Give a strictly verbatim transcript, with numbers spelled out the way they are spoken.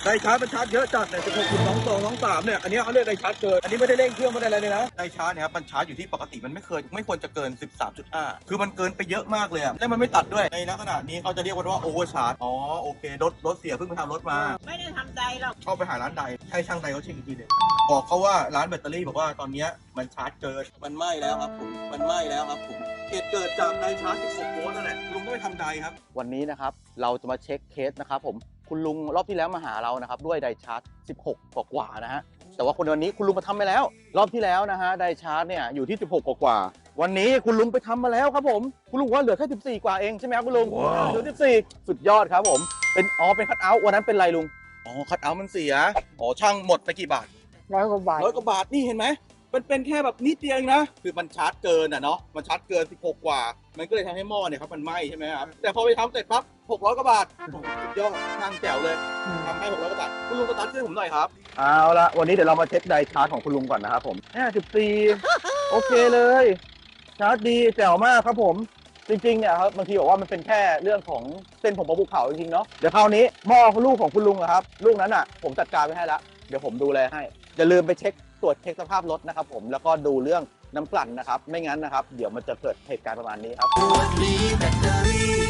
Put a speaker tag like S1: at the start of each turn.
S1: ไดชาร์จมันชาร์จเยอะจัดเนี่ยสิบหกจุดสองสองสองสามเนี่ยอันนี้เขาเรียกไดชาร์จเกินอันนี้ไม่ได้เร่งเครื่องไม่ได้อะไรเลยนะไดชาร์จเนี่ยครับมันชาร์จอยู่ที่ปกติมันไม่เคยไม่ควรจะเกิน สิบสามจุดห้า คือมันเกินไปเยอะมากเลยอะและมันไม่ตัดด้วยในลักษณะนี้เขาจะเรียกว่าโอเวอร์ชาร์จอ๋อโอเครถรถเสียเพิ่งไปทำรถมา
S2: ไม่ได้ทำใจหรอก
S1: เข้าไปหาร้านใดให้ช่างใดเขาเช็คอีกทีหนึงบอกเขาว่าร้านแบตเตอรี่บอกว่าตอนนี้มันชาร์จเกินมันไหม้แล้วครับผมมันไหม้แล้วครับผมเหตุเกิดจากไดชาร์จสิบหกโวลต์นั่นแหละลุงก็ไปทำไดครับ
S3: วันนี้นะครับเราจะมาเช็คเคสนะครับผมคุณลุงรอบที่แล้วมาหาเรานะครับด้วยไดชาร์จสิบหกกว่าๆนะฮะแต่ว่าคนวันนี้คุณลุงมาทำไปแล้วรอบที่แล้วนะฮะไดชาร์จเนี่ยอยู่ที่สิบหกกว่าๆวันนี้คุณลุงไปทำมาแล้วครับผมคุณลุงว่าเหลือแค่สิบสี่กว่าเองใช่ไหมครับคุณลุง wow. เหลือสิบสี่สุดยอดครับผมเป็นอ๋อเป็นคัทเอาท์วันนั้นเป็นไรลุง
S1: อ๋อคัทเอาท์มันเสียอ๋อช่างหมดไปกี่บาท
S2: ร้อยกว่าบาท
S1: ร้อยกว่าบาทนี่เห็นไหมมันเป็นแค่แบบนิดเดียวเองนะคือมันชาร์จเกินอ่ะเนาะมันชาร์จเกินสิบหกกว่ามันก็เลยทำให้หม้อเนี่ยครับมันไหม้ใช่ไหมครับแต่พอไปทำเสร็จปั๊บหกร้อยกว่าบาทสุดยอดช่างแจ๋วเลยทำให้หกร้อยกว่าบาทคุณลุงสตาร์ทเครื่องผมหน่อยครับ
S3: เอาละวันนี้เดี๋ยวเรามาเช็คไดชาร์จของคุณลุงก่อนนะครับผมแค่สิบสี่โอเคเลยชาร์จดีแจ๋วมากครับผมจริงๆเนี่ยครับบางทีบอกว่ามันเป็นแค่เรื่องของเส้นผมบนภูเขาจริงๆเนาะเดี๋ยวคราวนี้หม้อลูกของคุณลุงครับลูกนั้นอ่ะผมจัดการไว้ให้แล้วเดี๋ยวผมดูแลให้อย่าลืมไปเช็คตรวจเช็คสภาพรถนะครับผมแล้วก็ดูเรื่องน้ำกลั่นนะครับไม่งั้นนะครับเดี๋ยวมันจะเกิดเหตุการณ์ประมาณนี้ครับ